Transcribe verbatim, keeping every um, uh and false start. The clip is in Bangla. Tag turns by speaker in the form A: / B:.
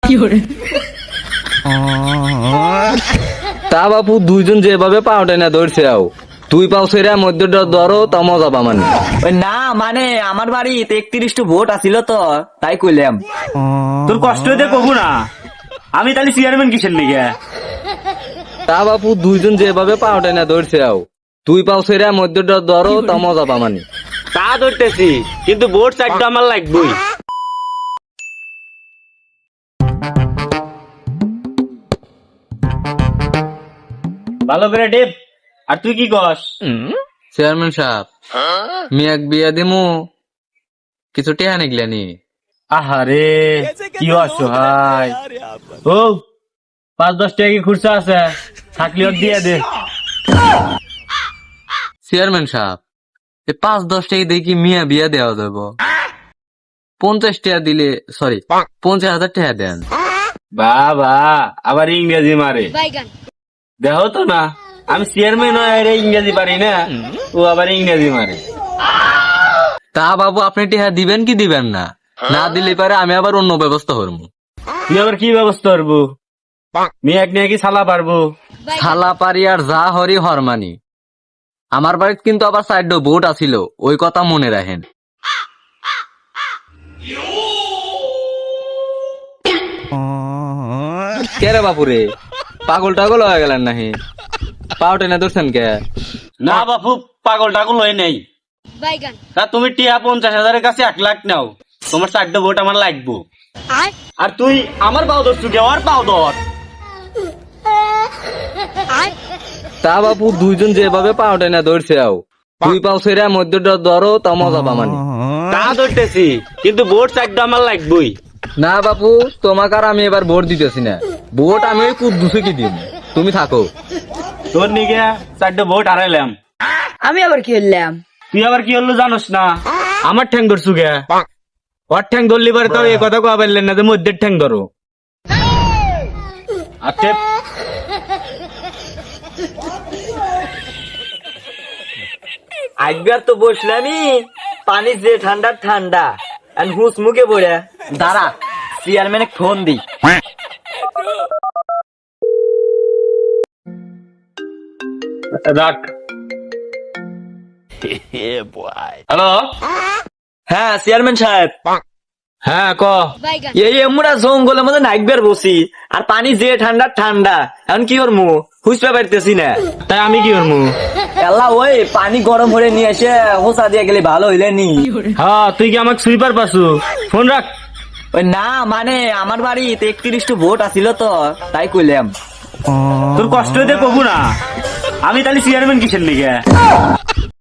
A: তা বাপু দুইজন যেভাবে পাওটা না ধরছে আও তুই পাও সেরা মধ্যে ধরো তা মজা পামান।
B: ওই না মানে আমার বাড়িতে একত্রিশটা ভোট আছিল তো তাই কইলাম।
C: তোর কষ্ট হইতে কবু না, আমি তাহলে চেয়ারম্যান কিসের লিগে?
A: তা বাপু দুইজন যেভাবে পাওটা না ধরছে আও তুই পাও সেরা মধ্যে ধরো তা মজা পামানি।
C: তা ধরতেছি, কিন্তু ভোট চারটা আমার লাগবেই। ভালো করে ডেপ। আর তুই কি কস?
A: চেয়ারম্যান সাহেব মিয়াক বিয়া দিমু কিছু টেহা নিগলানি।
C: আহারে কি অসহায়। ও পাঁচ দশ টাকা কি খুরসা আছে? থাকলে ওর দিয়ে দে।
A: চেয়ারম্যান সাহেব এই পাঁচ দশ টাকা দিয়ে কি মিয়া বিয়া দেওয়া যাব? পঞ্চাশ টাকা দিলে সরি পঞ্চাশ হাজার টাকা দেন।
C: বাবা আবার ইংরেজি মারে, দেখো তো না আমি চেয়ারম্যান হয়ে ইংরেজি পারি না, ও আবার ইংরেজি মারে।
A: তা বাবু আপনি টেহা দিবেন কি দিবেন না? না দিলে পারে আমি আবার অন্য ব্যবস্থা করবো।
C: তুই আবার কি ব্যবস্থা করবো? মেয়ে এক নিয়ে কি সালা পারবো?
A: থালা পারি আর যা হরি হরমানি। আমার বাড়িতে কিন্তু আবার সাইড বোট আছিল, ওই কথা মনে রাখেন। কে রে বাপুরে পাগল টাগল হয়ে গেলেন নাহি? পাও টেনে ধরছেন কে?
C: না বাপু পাগল টাগল হয়ে নেই। তা তুমি টিয়া পঞ্চাশ হাজারের কাছে এক লাখ নাও, তোমার চারটে ভোট আমার লাগবো। আর তুই আমার পাও ধরছু কে? আর পাও ধর।
A: তা বাপু দুইজন যেভাবে পাও টেনে ধরছে আও তুই পাও সেরা মধ্যে ধরো তা মজা পামানি।
C: তা ধরতেছি, কিন্তু ভোট চারটে আমার লাগবই।
A: না বাপু তোমাকে আর আমি এবার ভোট দিতেছি না, ভোট আমি ওই কুদ্দুসে কি দিব, তুমি থাকো।
C: তোর নিকে চারটে ভোট হারাইলাম।
D: আমি আবার কি হইলাম?
C: তুই আবার কি হলো জানোস না? আমার ঠ্যাং ধরছু কে? ওর ঠ্যাং ধরলি পারে তো এই কথা কয়া পারলেন না যে মধ্যের ঠ্যাং ধরো। আচ্ছা
B: একবার তো বসলামই পানি যে ঠান্ডা ঠান্ডা হুস মুখে পড়ে দাঁড়া চেয়ারম্যানে ফোন দি।
C: রাখ। হ্যালো,
B: হ্যাঁ চেয়ারম্যান সাহেব।
C: হ্যাঁ ক।
B: এই আমরা জঙ্গলের মধ্যে নাইকবার বসি আর পানি যে ঠান্ডা ঠান্ডা এখন কি করবো হুসপা পারতেছি না।
C: তাই আমি কি করবো?
B: এলা ওই পানি গরম করে নিয়ে এসে হোসা দিয়ে গেলে ভালো হইলে নি।
C: হ্যাঁ তুই কি আমাকে সুইপার পাসু? ফোন রাখ।
B: ওই না মানে আমার বাড়িতে একত্রিশটা ভোট আছিল তো তাই কইলাম।
C: তোর কষ্ট হইতে কবু না, আমি তাহলে চেয়ারম্যান কিসের লিগে?